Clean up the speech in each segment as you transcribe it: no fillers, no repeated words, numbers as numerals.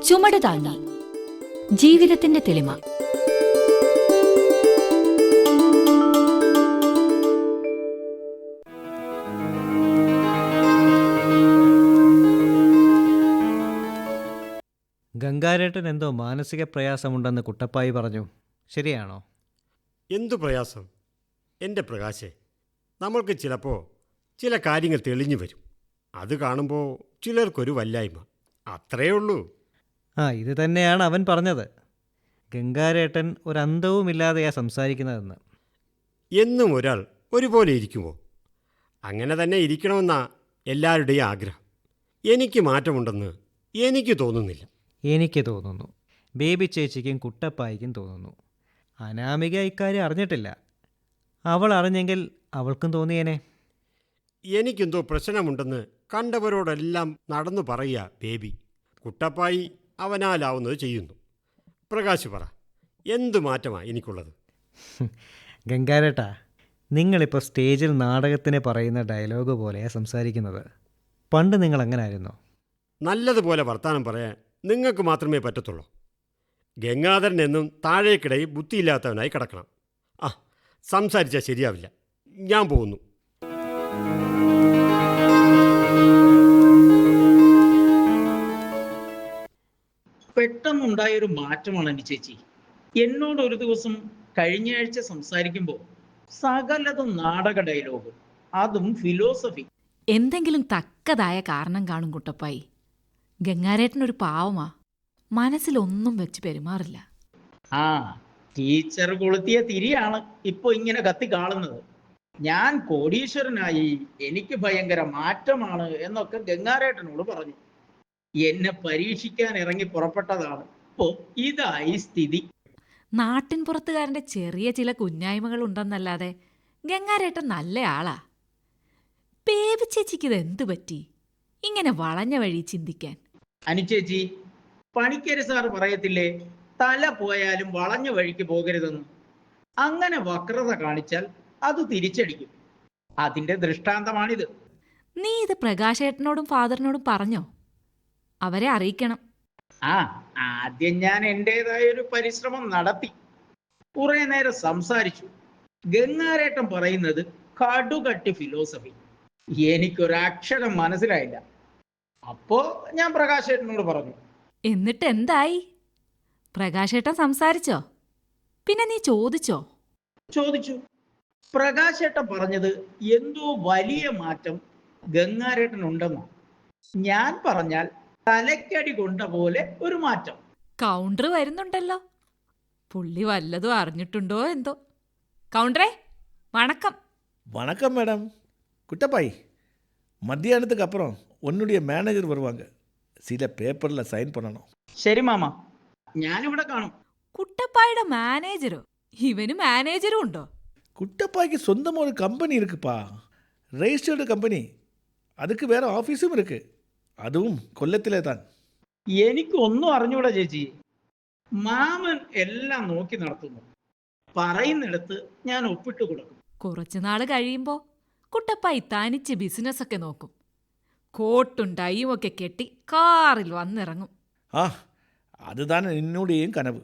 ചുമട് താങ്ങി ജീവിതത്തിന്റെ തെളിമ. ഗംഗാരേട്ടൻ എന്തോ മാനസിക പ്രയാസമുണ്ടെന്ന് കുട്ടപ്പായി പറഞ്ഞു. ശരിയാണോ? എന്തു പ്രയാസം എൻ്റെ പ്രകാശേ? നമ്മൾക്ക് ചിലപ്പോൾ ചില കാര്യങ്ങൾ തെളിഞ്ഞു വരും. അത് കാണുമ്പോൾ ചിലർക്കൊരു വല്ലായ്മ, അത്രയേ ഉള്ളൂ. ഇത് തന്നെയാണ് അവൻ പറഞ്ഞത്. ഗംഗാരേട്ടൻ ഒരന്തവുമില്ലാതെയാ സംസാരിക്കുന്നതെന്ന്. എന്നും ഒരാൾ ഒരുപോലെ ഇരിക്കുമോ? അങ്ങനെ തന്നെ ഇരിക്കണമെന്നാ എല്ലാവരുടെയും ആഗ്രഹം. എനിക്ക് മാറ്റമുണ്ടെന്ന് എനിക്ക് തോന്നുന്നില്ല. എനിക്ക് തോന്നുന്നു. ബേബി ചേച്ചിക്കും കുട്ടപ്പായിക്കും തോന്നുന്നു. അനാമിക ഇക്കാര്യം അറിഞ്ഞിട്ടില്ല. അവൾ അറിഞ്ഞെങ്കിൽ അവൾക്കും തോന്നിയേനെ. എനിക്കെന്തോ പ്രശ്നമുണ്ടെന്ന് കണ്ടവരോടെല്ലാം നടന്നു പറയുക ബേബി. കുട്ടപ്പായി അവനാലാവുന്നത് ചെയ്യുന്നു. പ്രകാശ് പറ, എന്തു മാറ്റമാണ് എനിക്കുള്ളത്? ഗംഗാരേട്ടാ, നിങ്ങളിപ്പോൾ സ്റ്റേജിൽ നാടകത്തിന് പറയുന്ന ഡയലോഗ് പോലെയാണ് സംസാരിക്കുന്നത്. പണ്ട് നിങ്ങൾ അങ്ങനെ ആയിരുന്നോ? നല്ലതുപോലെ വർത്താനം പറയാൻ നിങ്ങൾക്ക് മാത്രമേ പറ്റത്തുള്ളൂ. ഗംഗാധരൻ എന്നും താഴേക്കിടയിൽ ബുദ്ധിയില്ലാത്തവനായി കിടക്കണം. സംസാരിച്ചാൽ ശരിയാവില്ല. ഞാൻ പോകുന്നു. പെട്ടെന്നുണ്ടായൊരു മാറ്റമാണ് എൻ്റെ ചേച്ചി. എന്നോട് ഒരു ദിവസം കഴിഞ്ഞയാഴ്ച സംസാരിക്കുമ്പോൾ സകലതും നാടക ഡയലോഗ്, അതും ഫിലോസഫി. എന്തെങ്കിലും തക്കതായ കാരണം കാണും കുട്ടപ്പായി. ഗംഗാരേട്ടനൊരു പാവമാ, മനസ്സിലൊന്നും വെച്ച് പെരുമാറില്ല. ടീച്ചർ കൊളുത്തിയ തിരിയാണ് ഇപ്പൊ ഇങ്ങനെ കത്തി കാണുന്നത്. ഞാൻ കോടീശ്വരനായി, എനിക്ക് ഭയങ്കര മാറ്റമാണ് എന്നൊക്കെ ഗംഗാരേട്ടനോട് പറഞ്ഞു. എന്നെ പരീക്ഷിക്കാൻ ഇറങ്ങി പുറപ്പെട്ടതാണ്. ഇപ്പോ ഇതായി സ്ഥിതി. നാട്ടിൻ പുറത്തുകാരന്റെ ചെറിയ ചില കുഞ്ഞായ്മകൾ ഉണ്ടെന്നല്ലാതെ ഗംഗാരേട്ടൻ നല്ല ആളാ. ബേബി ചേച്ചിക്കിത് എന്തു പറ്റി ഇങ്ങനെ വളഞ്ഞ വഴി ചിന്തിക്കാൻ? അനുചേച്ചി, പണിക്കര് സാറ് പറയത്തില്ലേ, തല പോയാലും വളഞ്ഞ വഴിക്ക് പോകരുതെന്ന്. അങ്ങനെ വക്രത കാണിച്ചാൽ അത് തിരിച്ചടിക്കും. അതിന്റെ ദൃഷ്ടാന്തമാണിത്. നീ ഇത് പ്രകാശേട്ടനോടും ഫാദറിനോടും പറഞ്ഞോ? അവരെ അറിയിക്കണം. ആദ്യം ഞാൻ എൻ്റെതായ ഒരു പരിശ്രമം നടത്തി. കുറെ നേരം സംസാരിച്ചു. ഗംഗാരേട്ടൻ പറയുന്നത് കടുകട്ടി ഫിലോസഫി. എനിക്കൊരക്ഷരം മനസ്സിലായില്ല. അപ്പോ ഞാൻ പ്രകാശേട്ടനോട് പറഞ്ഞു. എന്നിട്ട് എന്തായി? പ്രകാശേട്ടൻ സംസാരിച്ചോ? പിന്നെ നീ ചോദിച്ചോ? ചോദിച്ചു. പ്രകാശേട്ടൻ പറഞ്ഞത് എന്തോ വലിയ മാറ്റം ഗംഗാരേട്ടൻ ഉണ്ടെന്നോ. ഞാൻ പറഞ്ഞാൽ തലക്കടി കൊണ്ട പോലെ ഒരു മാറ്റം. കൗണ്ടർ വരുന്നുണ്ടല്ലോ. പുള്ളി വല്ലതും അറിഞ്ഞിട്ടുണ്ടോ എന്തോ. കൗണ്ടറേ, വണക്കം. வணக்கம் மேடம். குட்டப்பாய், மத்தியானத்துக்கு அப்புறம் உன்னுடைய மேனேஜர் வருவாங்க. சில பேப்பரில் சைன் பண்ணணும். ശരി മാമ, ഞാനിവിടെ കാണും. കുട്ടപ്പായുടെ മാനേജരോ? ഇവന് മാനേജരും ഉണ്ടോ? குட்டப்பாய்க்கு சொந்தமாக ஒரு கம்பெனி இருக்குப்பா, ரெஜிஸ்டர்டு கம்பெனி. அதுக்கு வேற ஆஃபீஸும் இருக்குது, അതും കൊല്ലത്തിലെ താൻ. എനിക്ക് ഒന്നും അറിഞ്ഞൂടാ ചേച്ചി. മാമൻ എല്ലാം നോക്കി നടത്തുന്നു. പറയുന്നിടത്ത് ഞാൻ ഒപ്പിട്ട് കൊടുക്കും. കുറച്ചുനാള് കഴിയുമ്പോ കുട്ടപ്പായി തനിച്ച് ബിസിനസ്സൊക്കെ നോക്കും. കോട്ടും ടൈയും ഒക്കെ കെട്ടി കാറിൽ വന്നിറങ്ങും. அதுதான் என்னுடையும் கனவு.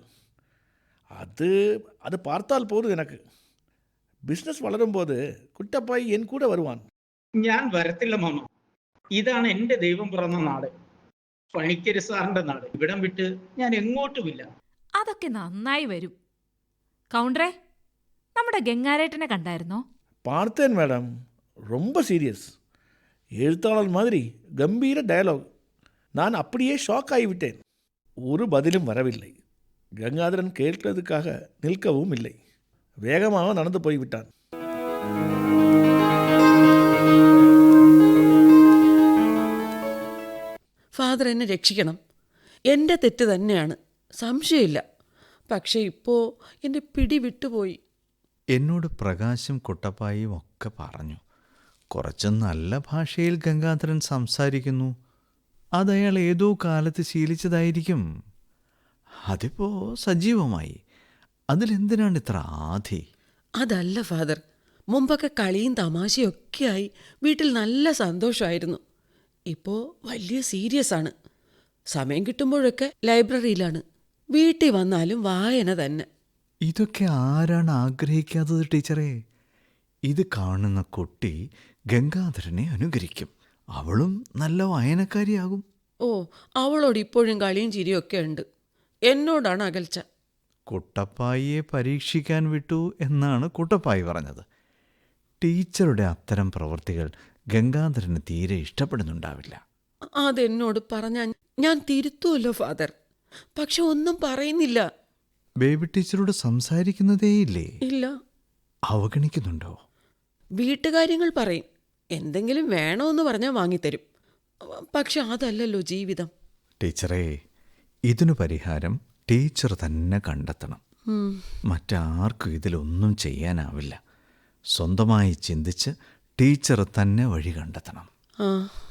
அது பார்த்தால் போதும் எனக்கு. பிஸ்னஸ் വളരുம்போது കുട്ടപ്പായി എൻ കൂടെ വരുവാൻ. ഞാൻ വരത്തില്ല മാമ. ഇതാണ് എൻ്റെ ദൈവം പിറന്ന നാട്, പണിക്കര് സാറിന്റെ നാട്. ഇവിടം വിട്ട് ഞാൻ എങ്ങോട്ടുമില്ല. അതൊക്കെ നന്നായി വരും. കൗണ്ടറേ, നമ്മുടെ ഗംഗാരേട്ടനെ കണ്ടായിരുന്നോ? பார்த்தேன் மேடம். ரொம்ப சீரியஸ், எழுத்தாளர் மாதிரி கம்பீர டயலாக். நான் அப்படியே ஷாக் ஆகிவிட்டேன். ஒரு பதிலும் வரவில்லை. கங்காதரன் கேட்கிறதுக்காக நிற்கவும் இல்லை. வேகமாக நடந்து போய்விட்டான். ഫാദർ എന്നെ രക്ഷിക്കണം. എൻ്റെ തെറ്റ് തന്നെയാണ്, സംശയമില്ല. പക്ഷേ ഇപ്പോൾ എൻ്റെ പിടി വിട്ടുപോയി. എന്നോട് പ്രകാശും കുട്ടപ്പായും ഒക്കെ പറഞ്ഞു. കുറച്ച് നല്ല ഭാഷയിൽ ഗംഗാധരൻ സംസാരിക്കുന്നു. അതയാൾ ഏതോ കാലത്ത് ശീലിച്ചതായിരിക്കും. അതിപ്പോൾ സജീവമായി. അതിലെന്തിനാണ് ഇത്ര ആധി? അതല്ല ഫാദർ, മുമ്പൊക്കെ കളിയും തമാശയൊക്കെയായി വീട്ടിൽ നല്ല സന്തോഷമായിരുന്നു. ഇപ്പോൾ വലിയ സീരിയസ് ആണ്. സമയം കിട്ടുമ്പോഴൊക്കെ ലൈബ്രറിയിലാണ്. വീട്ടിൽ വന്നാലും വായന തന്നെ. ഇതൊക്കെ ആരാണ് ആഗ്രഹിക്കാത്തത് ടീച്ചറേ? ഇത് കാണുന്ന കുട്ടി ഗംഗാധരനെ അനുകരിക്കും. അവളും നല്ല വായനക്കാരിയാകും. ഓ, അവളോട് ഇപ്പോഴും കളിയും ചിരിയൊക്കെ ഉണ്ട്. എന്നോടാണ് അകൽച്ച. കുട്ടപ്പായിയെ പരീക്ഷിക്കാൻ വിട്ടു എന്നാണ് കുട്ടപ്പായി പറഞ്ഞത്. ടീച്ചറുടെ അത്തരം പ്രവൃത്തികൾ ഗംഗാധരന് തീരെ ഇഷ്ടപ്പെടുന്നുണ്ടാവില്ല. അതെന്നോട് പറഞ്ഞാൽ ഞാൻ തിരുത്തുമല്ലോ ഫാദർ. പക്ഷെ ഒന്നും പറയുന്നില്ല. ബേബി ടീച്ചറോട് സംസാരിക്കുന്നതേയില്ലേ? ഇല്ല. അവഗണിക്കുന്നുണ്ടോ? വീട്ടുകാര്യങ്ങൾ പറയും. എന്തെങ്കിലും വേണമെന്ന് പറഞ്ഞാൽ വാങ്ങിത്തരും. പക്ഷെ അതല്ലല്ലോ ജീവിതം. ടീച്ചറേ, ഇതിനു പരിഹാരം ടീച്ചർ തന്നെ കണ്ടെത്തണം. മറ്റാർക്കും ഇതിലൊന്നും ചെയ്യാനാവില്ല. സ്വന്തമായി ചിന്തിച്ച് ടീച്ചർ തന്നെ വഴി കണ്ടെത്തണം. ആ,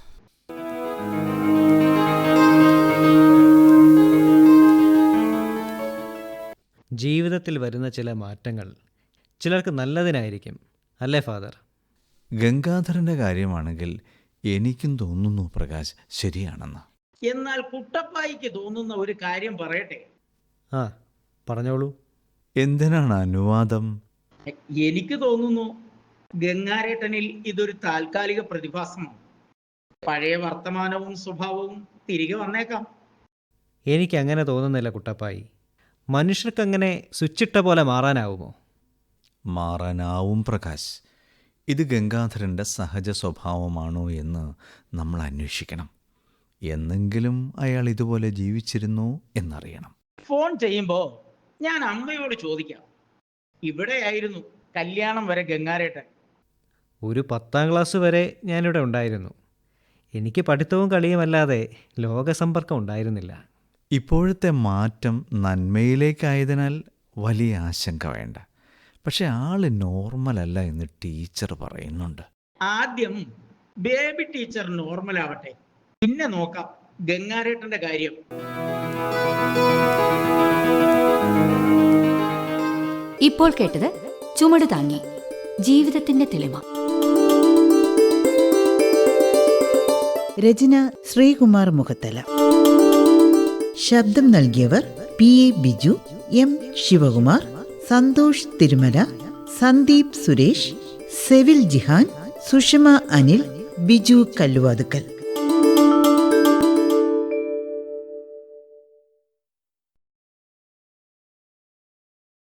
ജീവിതത്തിൽ വരുന്ന ചില മാറ്റങ്ങൾ ചിലർക്ക് നല്ലതിനായിരിക്കും, അല്ലേ ഫാദർ? ഗംഗാധരൻ്റെ കാര്യമാണെങ്കിൽ എനിക്കും തോന്നുന്നു പ്രകാശ് ശരിയാണെന്ന്. എന്നാൽ കുട്ടപ്പായിക്ക് തോന്നുന്ന ഒരു കാര്യം പറയട്ടെ. ആ, പറഞ്ഞോളൂ. എന്തിനാണ് അനുവാദം? എനിക്ക് തോന്നുന്നു ഗംഗാരേട്ടനിൽ ഇതൊരു താൽക്കാലിക പ്രതിഭാസമാണ്. പഴയ വർത്തമാനവും സ്വഭാവവും തിരികെ വന്നേക്കാം. എനിക്കങ്ങനെ തോന്നുന്നില്ല കുട്ടപ്പായി. മനുഷ്യർക്കങ്ങനെ സ്വിച്ചിട്ട പോലെ മാറാനാവുമോ? മാറാനാവും പ്രകാശ്. ഇത് ഗംഗാധരൻ്റെ സഹജ സ്വഭാവമാണോ എന്ന് നമ്മൾ അന്വേഷിക്കണം. എന്നെങ്കിലും അയാൾ ഇതുപോലെ ജീവിച്ചിരുന്നോ എന്നറിയണം. ഫോൺ ചെയ്യുമ്പോ ഞാൻ അമ്മയോട് ചോദിക്കാം. ഇവിടെയായിരുന്നു കല്യാണം വരെ ഗംഗാരേട്ടൻ. ഒരു 10ാം ക്ലാസ് വരെ ഞാനിവിടെ ഉണ്ടായിരുന്നു. എനിക്ക് പഠിത്തവും കളിയുമല്ലാതെ ലോകസമ്പർക്കം ഉണ്ടായിരുന്നില്ല. ഇപ്പോഴത്തെ മാറ്റം നന്മയിലേക്കായതിനാൽ വലിയ ആശങ്ക വേണ്ട. പക്ഷെ ആള് നോർമലല്ല എന്ന് ടീച്ചർ പറയുന്നുണ്ട്. ആദ്യം ബേബി ടീച്ചർ നോർമൽ ആവട്ടെ, പിന്നെ നോക്കാം ഗംഗാരേട്ടന്റെ കാര്യം. ഇപ്പോൾ കേട്ടത് ചുമട് താങ്ങി, ജീവിതത്തിന്റെ തെളിമ. രചന ശ്രീകുമാർ മുഖത്തല. ശബ്ദം നൽകിയവർ PA ബിജു, M ശിവകുമാർ, സന്തോഷ് തിരുമല, സന്ദീപ് സുരേഷ്, സെവിൽ ജിഹാൻ, സുഷമ അനിൽ, ബിജു കല്ലുവാതുക്കൽ.